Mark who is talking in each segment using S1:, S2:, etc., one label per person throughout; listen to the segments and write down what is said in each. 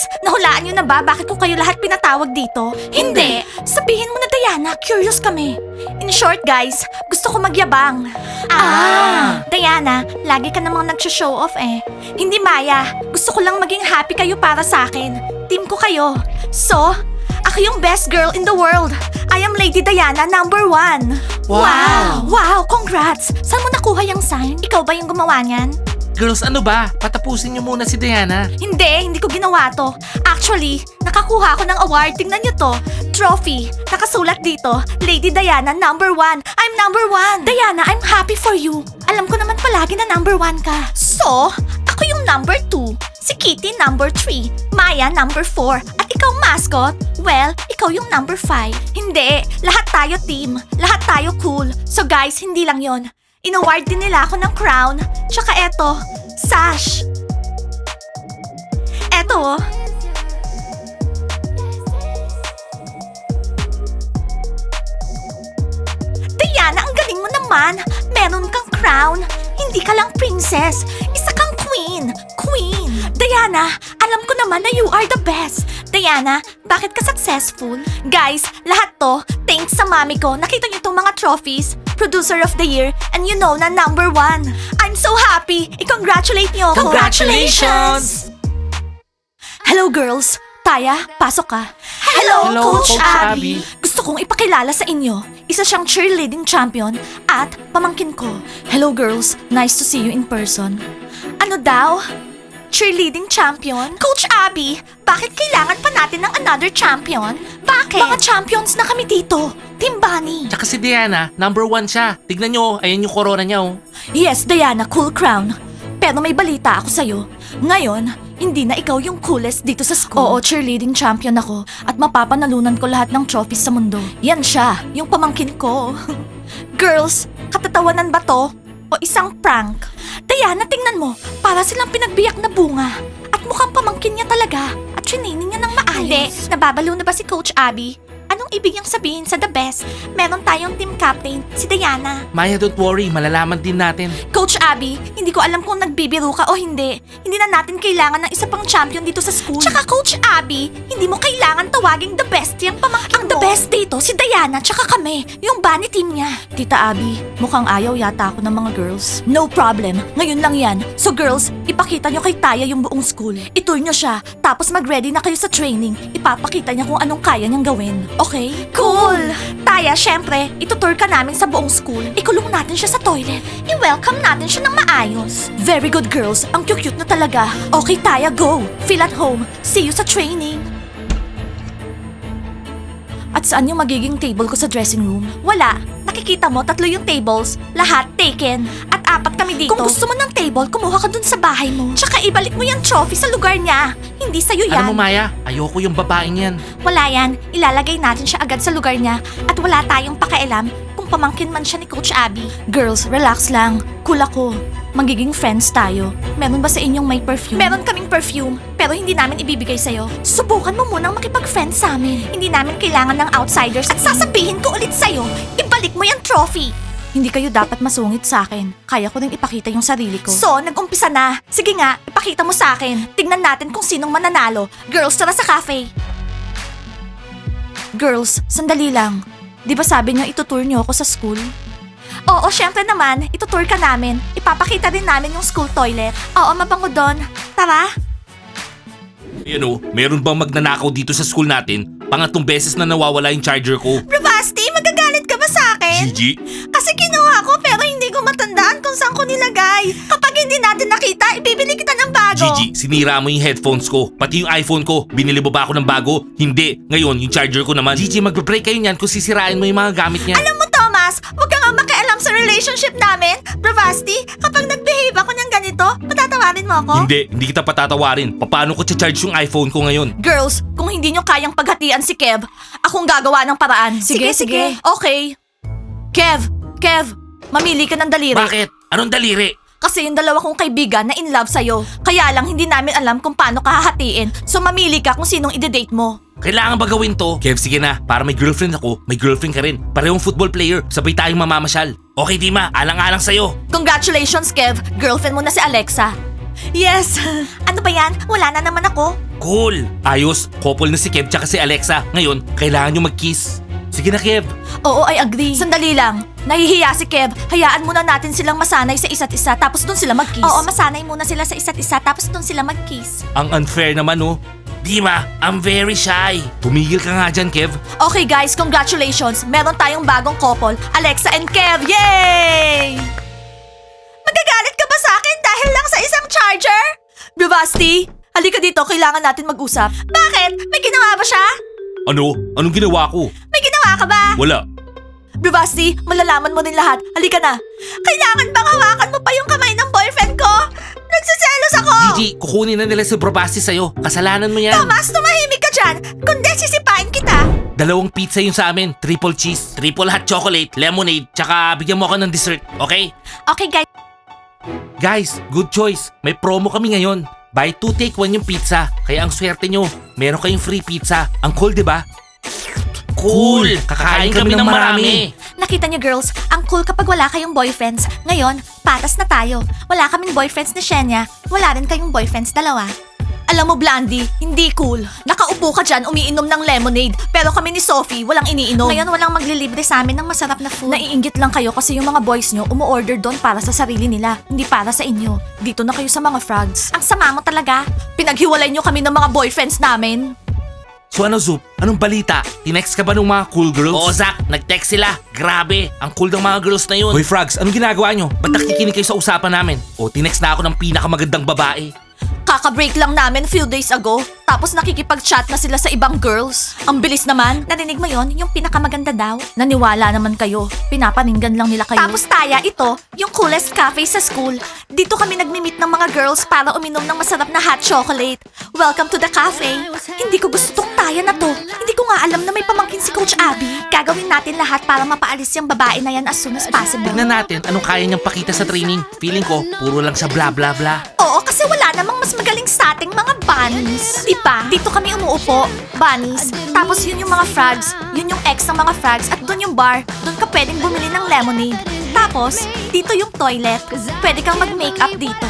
S1: Girls, nahulaan niyo na ba bakit ko kayo lahat pinatawag dito? Hindi. Sabihin mo na, Diana, curious kami. In short, guys, gusto ko magyabang. Diana, lagi ka namang nagsho-show off eh. Hindi, Maya. Gusto ko lang maging happy kayo para sa akin. Team ko kayo. So, ako yung best girl in the world. I am Lady Diana #1.
S2: Wow!
S1: Wow, congrats! Saan mo nakuha yung sign? Ikaw ba yung gumawa niyan?
S2: Girls, ano ba? Patapusin niyo muna si Diana.
S1: Hindi ko ginawa to. Actually, nakakuha ako ng award. Tingnan niyo to. Trophy. Nakasulat dito, Lady Diana #1. I'm #1. Diana, I'm happy for you. Alam ko naman palagi na #1 ka. So, ako yung #2. Si Kitty #3. Maya #4. At ikaw mascot? Well, ikaw yung #5. Hindi. Lahat tayo team. Lahat tayo cool. So guys, hindi lang yon. In-award din nila ako ng crown. Tsaka eto, sash. Eto oh. Diana, ang galing mo naman. Meron kang crown. Hindi ka lang princess. Isa kang queen. Queen. Diana, alam ko naman na you are the best. Diana, bakit ka successful? Guys, lahat to, thanks sa mami ko. Nakita niyo itong mga trophies. Producer of the year, and you know na #1. I'm so happy. I-congratulate niyo ako.
S2: Congratulations!
S1: Hello girls. Taya, pasok ka.
S2: Hello,
S1: Coach
S2: Coach
S1: Abby.
S2: Abby.
S1: Gusto kong ipakilala sa inyo. Isa siyang cheerleading champion at pamangkin ko. Hello girls, nice to see you in person. Ano daw? Cheerleading champion? Coach Abby, bakit kailangan pa natin ng another champion? Bakit? Mga champions na kami dito. Team Bunny.
S2: Tsaka si Diana, #1 siya. Tignan nyo, ayan yung corona niya oh.
S1: Yes, Diana, cool crown. Pero may balita ako sa'yo. Ngayon, hindi na ikaw yung coolest dito sa school. Oo, cheerleading champion ako. At mapapanalunan ko lahat ng trophies sa mundo. Yan siya, yung pamangkin ko. Girls, katatawanan ba to? O isang prank? Diana, tingnan mo. Para silang pinagbiyak na bunga. At mukhang pamangkin niya talaga. At training niya ng maayos. Hindi, nababalo na ba si Coach Abby? Anong ibig niyang sabihin sa the best? Meron tayong team captain, si Diana.
S2: Maya, don't worry, malalaman din natin.
S1: Coach Abby, hindi ko alam kung nagbibiro ka o hindi. Hindi na natin kailangan ng isa pang champion dito sa school. Tsaka Coach Abby, hindi mo kailangan tawaging the best yung pamangkin Ang the best dito, si Diana tsaka kami, yung bunny team niya. Tita Abby, mukhang ayaw yata ako ng mga girls. No problem, ngayon lang yan. So girls, ipakita nyo kay Taya yung buong school. Itour nyo siya, tapos mag-ready na kayo sa training. Ipapakita niya kung anong kaya niyang gawin. Okay? Cool! Taya, syempre, itutour ka namin sa buong school. Ikulong natin siya sa toilet. I-welcome natin siya ng maayos. Very good girls, ang cute na talaga. Okay, Taya, go! Feel at home. See you sa training. At saan yung magiging table ko sa dressing room? Wala. Nakikita mo, 3 yung tables. Lahat taken. At 4 kami dito. Kung gusto mo ng table, kumuha ka dun sa bahay mo. Tsaka ibalik mo yung trophy sa lugar niya. Hindi sa'yo yan.
S2: Alam mo Maya, ayoko yung babaeng yan.
S1: Wala yan. Ilalagay natin siya agad sa lugar niya. At wala tayong pakialam kung pamangkin man siya ni Coach Abby. Girls, relax lang. Cool ako. Magiging friends tayo. Meron ba sa inyong may perfume? Meron kaming perfume, pero hindi namin ibibigay sa'yo. Subukan mo munang makipag-friends sa amin. Hindi namin kailangan ng outsiders. At sasabihin ko ulit sa'yo, ibalik mo yung trophy. Hindi kayo dapat masungit sa akin. Kaya ko rin ipakita yung sarili ko. So, nag-umpisa na. Sige nga, ipakita mo sa akin. Tignan natin kung sinong mananalo. Girls, tara sa cafe. Girls, sandali lang. Di ba sabi niyo itutour niyo ako sa school? Oo, syempre naman. Itutour ka namin. Ipapakita din namin yung school toilet. Oo, mabango doon. Tara.
S2: Ayan oh, meron bang magnanakaw dito sa school natin? Pangatlong beses na nawawala yung charger ko.
S1: Bravasti, magagalit ka ba sa akin?
S2: Gigi?
S1: Kasi kinuha ko pero hindi ko matandaan kung saan ko nilagay. Kapag hindi natin nakita, ibibili kita ng bago.
S2: Gigi, sinira mo yung headphones ko. Pati yung iPhone ko. Binili mo ba ako ng bago? Hindi. Ngayon, yung charger ko naman. Gigi, magbe-break kayo niyan kung sisirain mo yung mga gamit niya.
S1: Alam mo, Thomas, huwag ka nga makialam sa relationship namin. Bravasti, kapag nag-behave ako ng ganito, patatawarin mo ako?
S2: Hindi kita patatawarin. Paano ko charge yung iPhone ko ngayon?
S1: Girls, kung hindi nyo kayang paghatian si Kev, akong gagawa ng paraan. Sige. Okay. Kev, mamili ka ng daliri.
S2: Bakit? Anong daliri?
S1: Kasi yung dalawa kong kaibigan na in love sa'yo. Kaya lang hindi namin alam kung paano ka hahatiin. So mamili ka kung sinong ide-date mo.
S2: Kailangan ba gawin to? Kev, sige na. Para may girlfriend ako, may girlfriend ka rin. Parehong football player. Sabay tayong mamamasyal. Okay, Dima. Alang-alang sa'yo.
S1: Congratulations, Kev. Girlfriend mo na si Alexa. Yes! Ano ba yan? Wala na naman ako.
S2: Cool! Ayos, couple na si Kev tsaka si Alexa. Ngayon, kailangan nyo mag-kiss. Sige na, Kev.
S1: Oo, I agree. Sandali lang. Nahihiya si Kev. Hayaan muna natin silang masanay sa isa't isa tapos doon sila mag-kiss. Oo, masanay muna sila sa isa't isa tapos doon sila mag-kiss.
S2: Ang unfair naman, oh. Di ba? I'm very shy. Tumigil ka nga dyan, Kev.
S1: Okay guys, congratulations. Meron tayong bagong couple, Alexa and Kev. Yay! Magagalit ka ba sa akin dahil lang sa isang charger? Bravasti, halika dito. Kailangan natin mag-usap. Bakit? May ginawa ba siya?
S2: Ano? Anong ginawa ko?
S1: May ginawa ka ba?
S2: Wala.
S1: Bravasti, malalaman mo din lahat. Halika na. Kailangan bang hawakan mo pa yung kamay ng boyfriend ko? Nagsiselos ako!
S2: Gigi, kukunin na nila si Bravasti sa'yo. Kasalanan mo yan.
S1: Thomas, tumahimik ka dyan. Kundi sisipain kita.
S2: 2 pizza yun sa amin. Triple cheese, triple hot chocolate, lemonade, tsaka bigyan mo ako ng dessert, okay?
S1: Okay guys.
S2: Guys, good choice. May promo kami ngayon. Buy 2 take 1 yung pizza. Kaya ang swerte nyo, meron kayong free pizza. Ang cool, di ba? Cool! Kakain kami ng marami.
S1: Nakita niyo girls, ang cool kapag wala kayong boyfriends. Ngayon, patas na tayo. Wala kaming boyfriends ni Shenya, wala rin kayong boyfriends dalawa. Alam mo, Blandy, hindi cool. Nakaupo ka dyan, umiinom ng lemonade. Pero kami ni Sophie, walang iniinom. Ngayon, walang maglilibre sa amin ng masarap na food. Naiinggit lang kayo kasi yung mga boys nyo umu-order doon para sa sarili nila, hindi para sa inyo. Dito na kayo sa mga frogs. Ang sama mo talaga. Pinaghiwalay nyo kami ng mga boyfriends namin.
S2: So ano, Zup? Anong balita? Tinext ka ba ng mga cool girls? Oo, Zach. Nag-text sila. Grabe. Ang cool ng mga girls na yun. Hoy, frogs. Anong ginagawa nyo? Ba't nakikinig kayo sa usapan namin? O, tinext na ako ng pinakamagandang babae.
S1: Kaka-break lang namin few days ago, tapos nakikipag-chat na sila sa ibang girls. Ang bilis naman. Narinig mo yon, yung pinakamaganda daw? Naniwala naman kayo. Pinapaninggan lang nila kayo. Tapos Taya, ito, yung coolest cafe sa school. Dito kami nagmi-meet ng mga girls para uminom ng masarap na hot chocolate. Welcome to the cafe. Hindi ko gusto tong Taya na to. Hindi ko nga alam na may pamangkin si Coach Abby. Gagawin natin lahat para mapaalis yung babae na yan as soon as possible.
S2: Tignan natin anong kaya niyang pakita sa training. Feeling ko, puro lang siya bla bla bla.
S1: Oo, kasi wala namang mas magaling sa ating mga bunnies. Di ba? Dito kami umuupo, bunnies. Tapos yun yung mga frogs, yun yung ex ng mga frogs, at doon yung bar, doon ka pwedeng bumili ng lemonade. Tapos, dito yung toilet. Pwede kang mag-makeup dito.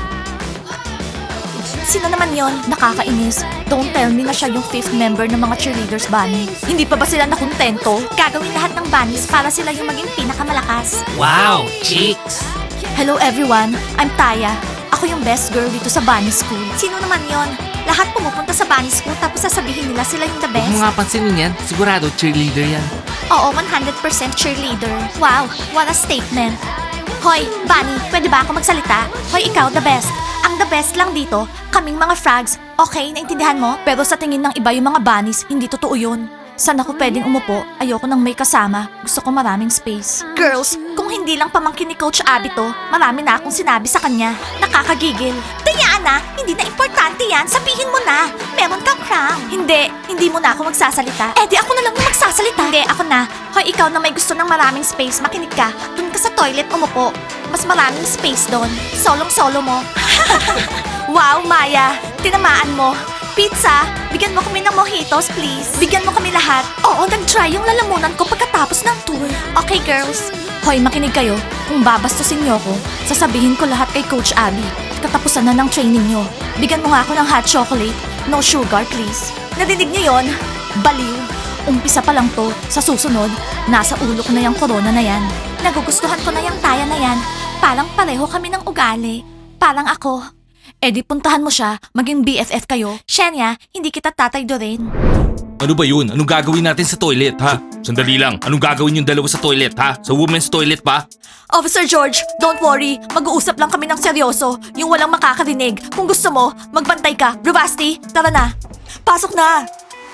S1: Sino naman yon? Nakakainis. Don't tell me na siya yung 5th member ng mga cheerleaders bunny. Hindi pa ba sila nakontento? Gagawin lahat ng bunnies para sila yung maging pinakamalakas.
S2: Wow, chicks!
S1: Hello everyone, I'm Taya. Ako yung best girl dito sa Bunny School. Sino naman yon? Lahat pumupunta sa Bunny School tapos sasabihin nila sila yung the
S2: Huwag
S1: best.
S2: mo nga pansinin yan. Sigurado cheerleader yan.
S1: Oo, 100% cheerleader. Wow, what a statement. Hoy, Bunny, pwede ba ako magsalita? Hoy, ikaw the best. Ang the best lang dito, kaming mga frogs. Okay, naintindihan mo? Pero sa tingin ng iba yung mga bunnies, hindi totoo yun. Saan ako pwedeng umupo? Ayoko nang may kasama. Gusto ko maraming space. Girls, kung hindi lang pamangkin ni Coach Abby to, marami na akong sinabi sa kanya. Nakakagigil. Diana, hindi na importante yan. Sabihin mo na. Meron kang crown. Hindi mo na ako magsasalita. Eh di ako na lang yung magsasalita. Hindi, ako na. Hoy, ikaw na may gusto ng maraming space, makinig ka. Doon ka sa toilet umupo. Mas maraming space doon. Solong-solo mo. Wow, Maya. Tinamaan mo. Pizza, bigyan mo kami ng mojitos, please. Bigyan mo kami lahat. Oo, nag-try yung lalamunan ko pagkatapos ng tour. Okay, girls. Hoy, makinig kayo. Kung babastusin niyo ko, sasabihin ko lahat kay Coach Abby. Katapusan na ng training niyo. Bigyan mo nga ako ng hot chocolate. No sugar, please. Nadinig niyo yon? Baliw. Umpisa pa lang to. Sa susunod, nasa ulo ko na yung corona na yan. Nagugustuhan ko na yung Taya na yan. Parang pareho kami ng ugali. Parang ako. Eh di puntahan mo siya, maging BFF kayo. Shenya, hindi kita tataydorin.
S2: Ano ba yun? Anong gagawin natin sa toilet, ha? Sandali lang. Anong gagawin yung dalawa sa toilet, ha? Sa women's toilet pa?
S1: Officer George, don't worry. Mag-uusap lang kami ng seryoso. Yung walang makakarinig. Kung gusto mo, magbantay ka. Bravasti, tara na. Pasok na.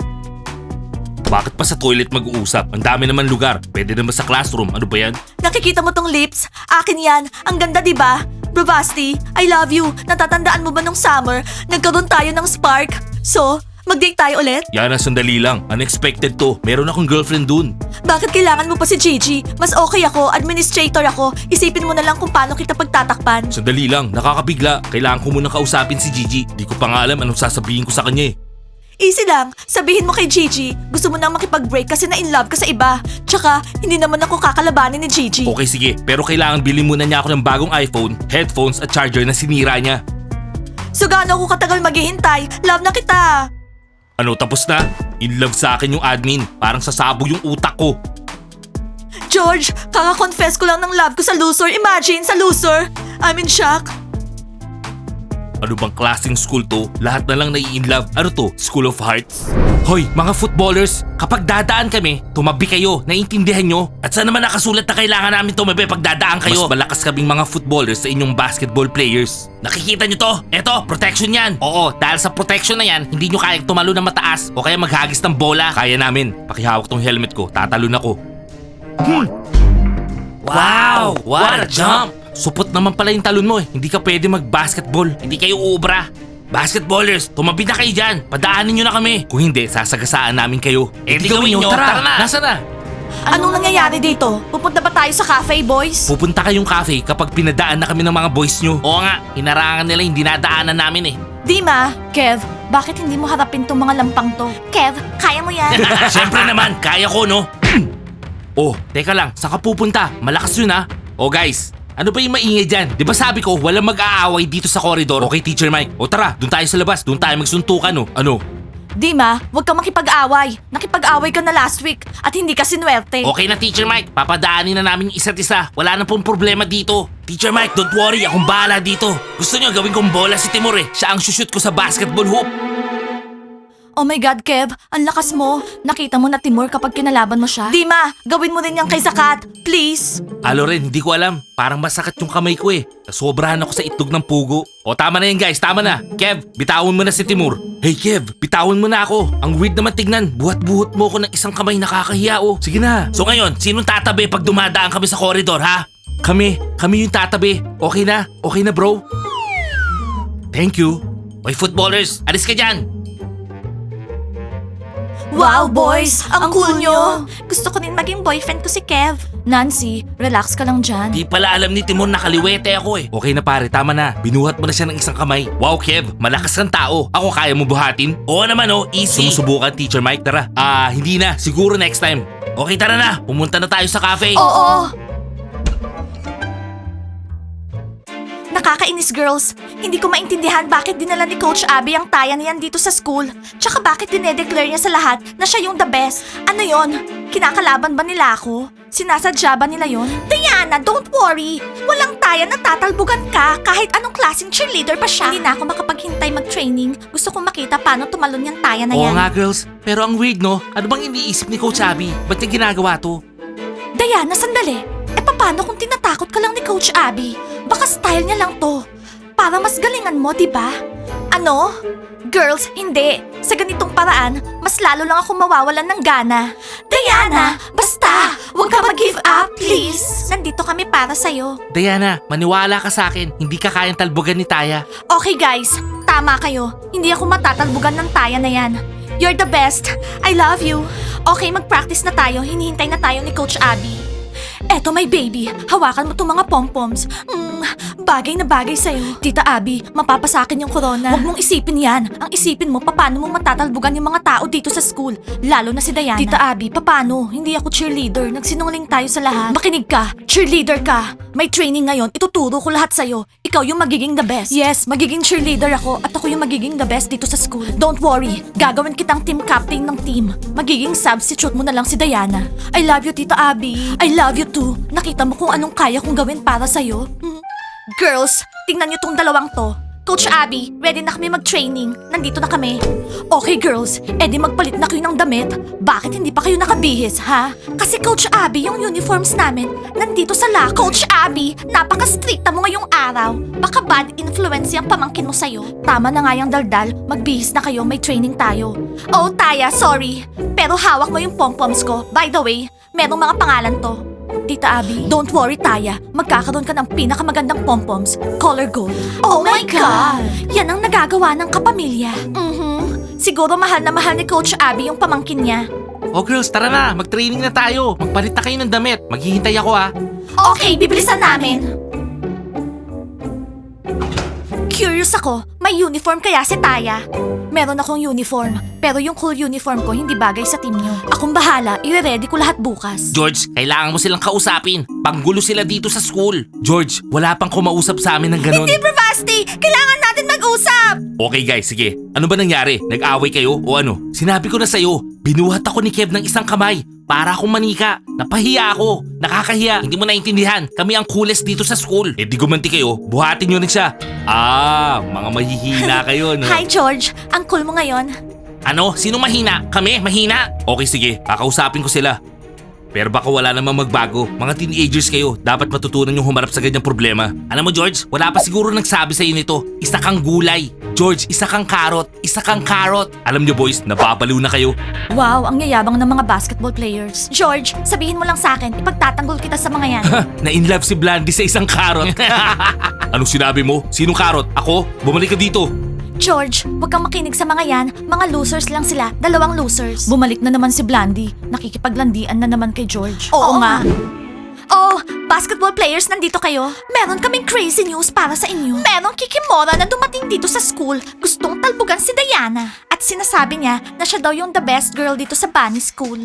S2: Bakit pa sa toilet mag-uusap? Ang dami naman lugar. Pwede naman sa classroom. Ano ba yan?
S1: Nakikita mo tong lips? Akin yan. Ang ganda, di ba? Bravasti, I love you. Natatandaan mo ba nung summer? Nagkaroon tayo ng spark. So, mag-date tayo ulit?
S2: Yana, sandali lang. Unexpected to. Meron akong girlfriend dun.
S1: Bakit kailangan mo pa si Gigi? Mas okay ako, administrator ako. Isipin mo na lang kung paano kita pagtatakpan.
S2: Sandali lang. Nakakabigla. Kailangan ko munang kausapin si Gigi. Di ko pa nga alam anong sasabihin ko sa kanya eh.
S1: Easy lang, sabihin mo kay Gigi, gusto mo nang makipag-break kasi na-in-love ka sa iba. Tsaka, hindi naman ako kakalabanin ni Gigi.
S2: Okay, sige. Pero kailangan bilhin muna niya ako ng bagong iPhone, headphones at charger na sinira niya.
S1: So gaano ako katagal maghihintay? Love na kita.
S2: Ano, tapos na? In love sa akin yung admin. Parang sasabog yung utak ko.
S1: George, kaka-confess ko lang ng love ko sa loser. Imagine, sa loser. I'm in shock.
S2: Ano bang klaseng school to? Lahat na lang nai-inlove. Ano to? School of Hearts? Hoy, mga footballers, kapag dadaan kami, tumabi kayo, naiintindihan nyo? At saan naman nakasulat na kailangan namin tumabi pag dadaan kayo? Mas malakas kaming mga footballers sa inyong basketball players. Nakikita nyo to? Eto, protection yan. Oo, dahil sa protection na yan, hindi nyo kayang tumalo ng mataas o kaya maghagis ng bola. Kaya namin. Pakihawak tong helmet ko, tatalon ako. Wow! What a jump! Supot naman pala yung talon mo eh. Hindi ka pwede mag-basketball. Hindi kayo uubra. Basketballers, tumabi na kayo dyan. Padaanin nyo na kami. Kung hindi, sasagasaan namin kayo. Eh di gawin nyo. Tara na. Nasaan na?
S1: Anong nangyayari dito? Pupunta ba tayo sa cafe, boys?
S2: Pupunta kayong cafe kapag pinadaan na kami ng mga boys nyo. Oo nga, hinarangan nila yung dinadaanan namin eh.
S1: Dima, Kev, bakit hindi mo harapin tong mga lampang to? Kev, kaya mo yan.
S2: Siyempre naman, kaya ko no. Oh, teka lang, saan ka pupunta? Malakas yun ha. Oh guys, ano ba yung maingay dyan? Di ba sabi ko, walang mag-aaway dito sa koridor? Okay, Teacher Mike. O tara, doon tayo sa labas. Doon tayo magsuntukan, no? Ano?
S1: Dima, huwag kang makipag-away. Nakipag-away ka na last week at hindi ka sinuwerte.
S2: Okay na, Teacher Mike. Papadaanin na namin yung isa't isa. Wala na pong problema dito. Teacher Mike, don't worry. Akong bahala dito. Gusto niyo gawin kong bola si Timur eh. Siya ang shoot ko sa basketball hoop.
S1: Oh my God, Kev, ang lakas mo. Nakita mo na Timur kapag kinalaban mo siya. Dima, gawin mo din yan kay Sakat. Please.
S2: Alo rin, hindi ko alam. Parang masakit yung kamay ko eh. Sobrahan ako sa itlog ng pugo. O tama na yan guys, tama na. Kev, bitawan mo na si Timur. Hey Kev, bitawan mo na ako. Ang weird naman tignan. Buhat-buhat mo ako ng isang kamay, nakakahiya oh. Sige na. So ngayon, sinong tatabi pag dumadaan kami sa koridor ha? Kami yung tatabi. Okay na bro. Thank you. Hoy footballers, alis ka dyan.
S1: Wow, boys! Ang cool nyo! Gusto ko din maging boyfriend ko si Kev. Nancy, relax ka lang dyan.
S2: Di pala alam ni Timon na kaliwete ako eh. Okay na pare, tama na. Binuhat mo na siya ng isang kamay. Wow, Kev, malakas kang tao. Ako kaya mo buhatin? Oo naman oh, easy. Sumusubukan, Teacher Mike, tara. Hindi na. Siguro next time. Okay, tara na. Pumunta na tayo sa cafe.
S1: Oo! Nakakainis, girls. Hindi ko maintindihan bakit dinala ni Coach Abby ang taya niyan dito sa school. Tsaka bakit dinedeclare niya sa lahat na siya yung the best. Ano yon? Kinakalaban ba nila ako? Sinasadya ba nila yon? Diana, don't worry. Walang taya na tatalbugan ka kahit anong klaseng cheerleader pa siya. Hindi na ako makapaghintay mag-training. Gusto kong makita paano tumalon yung taya na
S2: Oo
S1: yan.
S2: nga, girls. Pero ang weird, no? Ano bang iniisip ni Coach Abby? Ba't niya ginagawa to?
S1: Diana, sandali. Paano kung tinatakot ka lang ni Coach Abby? Baka style niya lang to. Para mas galingan mo, di ba? Ano? Girls, hindi. Sa ganitong paraan, mas lalo lang ako mawawalan ng gana. Diana, basta! Huwag ka mag-give up, please! Nandito kami para sa'yo.
S2: Diana, maniwala ka sa akin. Hindi ka kayang talbogan ni Taya.
S1: Okay guys, tama kayo. Hindi ako matatalbugan ng taya na yan. You're the best. I love you. Okay, mag-practice na tayo. Hinihintay na tayo ni Coach Abby. Eto my baby, hawakan mo itong mga pompoms. Bagay na bagay sa'yo. Tita Abby, mapapasakin yung corona. Huwag mong isipin yan. Ang isipin mo, paano mo matatalbugan yung mga tao dito sa school. Lalo na si Diana. Tita Abby, paano? Hindi ako cheerleader. Nagsinungaling tayo sa lahat. Makinig ka. Cheerleader ka. May training ngayon. Ituturo ko lahat sa'yo. Ikaw yung magiging the best. Yes, magiging cheerleader ako at ako yung magiging the best dito sa school. Don't worry. Gagawin kitang team captain ng team. Magiging substitute mo na lang si Diana. I love you, Tita Abby. I love you too. Nakita mo kung anong kaya kong gawin para sa'yo? Girls, tingnan niyo tong dalawang to. Coach Abby, ready na kami mag-training. Nandito na kami. Okay girls, edi magpalit na kayo ng damit. Bakit hindi pa kayo nakabihis, ha? Kasi Coach Abby, yung uniforms namin, nandito sa locker. Coach Abby, napaka-stricta mo ngayong araw. Baka bad influence yung pamangkin mo sa'yo. Tama na nga yung daldal, magbihis na kayo, may training tayo. Oh, Taya, sorry. Pero hawak mo yung pom-poms ko. By the way, merong mga pangalan to. Tita Abby, don't worry Taya. Magkakaroon ka ng pinakamagandang pompoms, color gold. Oh my God! Yan ang nagagawa ng kapamilya. Siguro mahal na mahal ni Coach Abby yung pamangkin niya.
S2: Oh girls, tara na. Mag-training na tayo. Magpalit na kayo ng damit. Maghihintay ako ha.
S1: Okay, bibilisan namin. Curious ako, may uniform kaya si Taya? Meron akong uniform, pero yung cool uniform ko hindi bagay sa team niyo. Akong bahala, i-ready ko lahat bukas.
S2: George, kailangan mo silang kausapin. Panggulo sila dito sa school. George, wala pang kumausap sa amin ng ganun.
S1: Hindi, Bravasti! Kailangan natin mag mag-usap!
S2: Okay guys, sige. Ano ba nangyari? Nag-away kayo o ano? Sinabi ko na sa'yo, binuhat ako ni Kev ng isang kamay. Para akong manika. Napahiya ako. Nakakahiya. Hindi mo naintindihan. Kami ang coolest dito sa school. Eh di gumanti kayo, buhatin nyo rin siya. Mga mahihina kayo, no?
S1: Hi, George. Ang cool mo ngayon.
S2: Ano? Sino mahina? Kami? Mahina? Okay, sige. Kakausapin ko sila. Pero baka wala namang magbago. Mga teenagers kayo, dapat matutunan yung humarap sa ganyang problema. Alam mo George, wala pa siguro nagsabi sa'yo nito. Isa kang gulay. George, isa kang carrot. Isa kang carrot. Alam nyo boys, nababaliw na kayo.
S1: Wow, ang yayabang ng mga basketball players. George, sabihin mo lang sa akin, ipagtatanggol kita sa mga yan.
S2: Na-inlove si Blandy sa isang carrot. Anong sinabi mo? Sinong carrot? Ako? Bumalik ka dito.
S1: George, huwag kang makinig sa mga yan. Mga losers lang sila. 2 losers. Bumalik na naman si Blandy. Nakikipaglandian na naman kay George. Oo nga. Oh, basketball players, nandito kayo. Meron kaming crazy news para sa inyo. Merong kikimora na dumating dito sa school. Gustong talbugan si Diana. At sinasabi niya na siya daw yung the best girl dito sa Bunny School.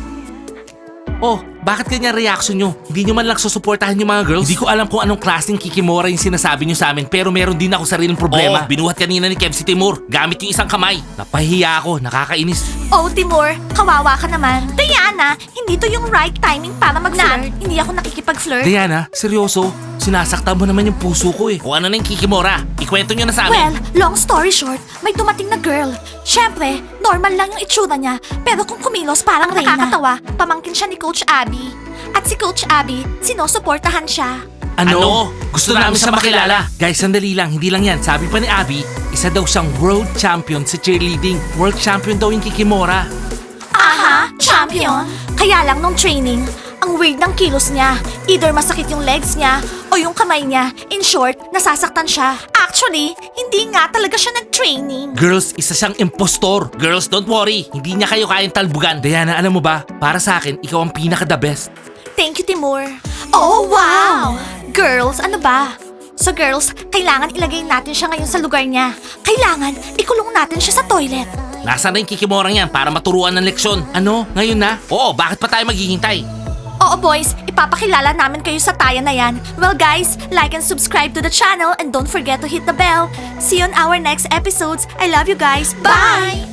S2: Oh, bakit ganyan reaction nyo? Hindi nyo man lang susuportahan yung mga girls? Hindi ko alam kung anong klaseng kikimora yung sinasabi nyo sa amin, pero meron din ako sariling problema. Binuhat kanina ni Kev si Timur, gamit yung isang kamay. Napahiya ako, nakakainis.
S1: Oh, Timur, kawawa ka naman. Diana, hindi to yung right timing para mag-flirt. Hindi ako nakikipag-flirt.
S2: Diana, seryoso? Sinasaktan mo naman yung puso ko eh. Kung ano na yung kikimora, ikwento nyo na sa amin.
S1: Well, long story short, may dumating na girl. Siyempre, normal lang yung itsura niya. Pero kung kumilos parang Reyna. Nakakatawa, pamangkin siya ni Coach Abby. At si Coach Abby, sinusuportahan siya.
S2: Ano? Gusto namin siya makilala. Guys, sandali lang, hindi lang yan. Sabi pa ni Abby, isa daw siyang world champion sa cheerleading. World champion daw yung kikimora.
S1: Aha, champion. Kaya lang nung training, ang weird ng kilos niya. Either masakit yung legs niya o yung kamay niya. In short, nasasaktan siya. Actually, hindi nga talaga siya nag-training.
S2: Girls, isa siyang impostor. Girls, don't worry. Hindi niya kayo kayang talbugan. Diana, alam mo ba? Para sa akin, ikaw ang pinaka-the best.
S1: Thank you, Timur. Oh, wow! Girls, ano ba? So girls, kailangan ilagay natin siya ngayon sa lugar niya. Kailangan ikulong natin siya sa toilet.
S2: Nasaan na yung kikimorang yan para maturuan ng leksyon? Ano? Ngayon na? Oo, bakit pa tayo maghihintay?
S1: Oo boys, ipapakilala namin kayo sa taya na yan. Well guys, like and subscribe to the channel and don't forget to hit the bell. See you on our next episodes. I love you guys. Bye!